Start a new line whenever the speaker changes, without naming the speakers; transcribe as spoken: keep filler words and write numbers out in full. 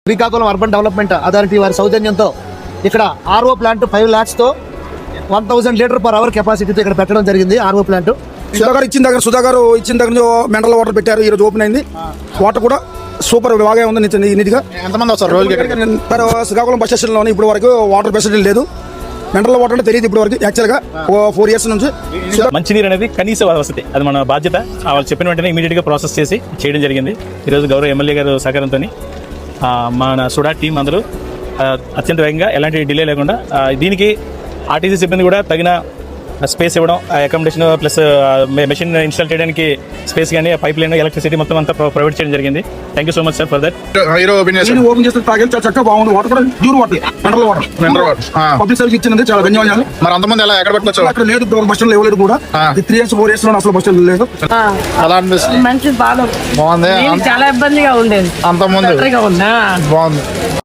Srikakulam urban development authority వారి సౌజన్యంతో ఇక్కడ ఆర్ఓ ప్లాంట్ ఫైవ్ ల్యాక్స్ తో one thousand litre per hour కెపాసిటీతో ఇక్కడ పెట్టడం జరిగింది. ఆర్ఓ ప్లాంట్
సుధాకర్ ఇచ్చిన దగ్గర సుధాకర్ ఇచ్చిన దగ్గర మినరల్ వాటర్ పెట్టారు. ఈ రోజు ఓపెన్ అయింది. వాటర్ కూడా సూపర్ బాగా ఉంది. నీట్గా
ఎంతమంది వస్తారు రోజుకి?
శ్రీకాకుళం బస్ స్టేషన్ లోని ఇప్పుడు వరకు వాటర్ ఫెసిలిటీ లేదు. మినరల్ వాటర్ అంటే తెలియదు ఇప్పుడు వరకు. యాక్చువల్ గా ఫోర్ ఇయర్స్ నుంచి
మంచినీరు అనేది కనీస వసతి, అది మన బాధ్యత. వాళ్ళు చెప్పిన వెంటనే ఇమీడియట్ గా ప్రాసెస్ చేసి చేయడం జరిగింది. ఈరోజు గౌరవ ఎమ్మెల్యే గారు సహకారంతో మన సుడా టీం అందరూ అత్యంత వేగంగా ఎలాంటి డిలే లేకుండా దీనికి ఆర్టీసీ సిబ్బంది కూడా తగిన స్పేస్ ఇవ్వడం, అకామిడేషన్ ప్లస్ మెషిన్ ఇన్స్టాల్ చేయడానికి స్పేస్ కానీ పైప్ లైన్ ఎలక్ట్రిసిటీ మొత్తం అంతా ప్రొవైడ్ చేయడం జరిగింది. Thank you so much sir for that.
Open చేస్తే తాగే చక్కగా బాగుంది. వాటర్ కూడా pure water, mineral water.
Mineral water
public service ఇచ్చినందుకు చాలా ధన్యవాదాలు.
మరి అంతమంది ఎలా ఎక్కడ పెట్టుకోవచ్చు?
అక్కడ లేదు, బస్ స్టాండ్ ఇవ్వలేదు కూడా. త్రీ ఇయర్స్ ఫోర్ ఇయర్స్ లో అసలు బస్ స్టాండ్ లేదు.
అలా అనిపిస్తుంది.
మంచి బాగా
బాగుంది.
చాలా ఇబ్బందిగా ఉండేది.
అంత ముందు
బాగుంది.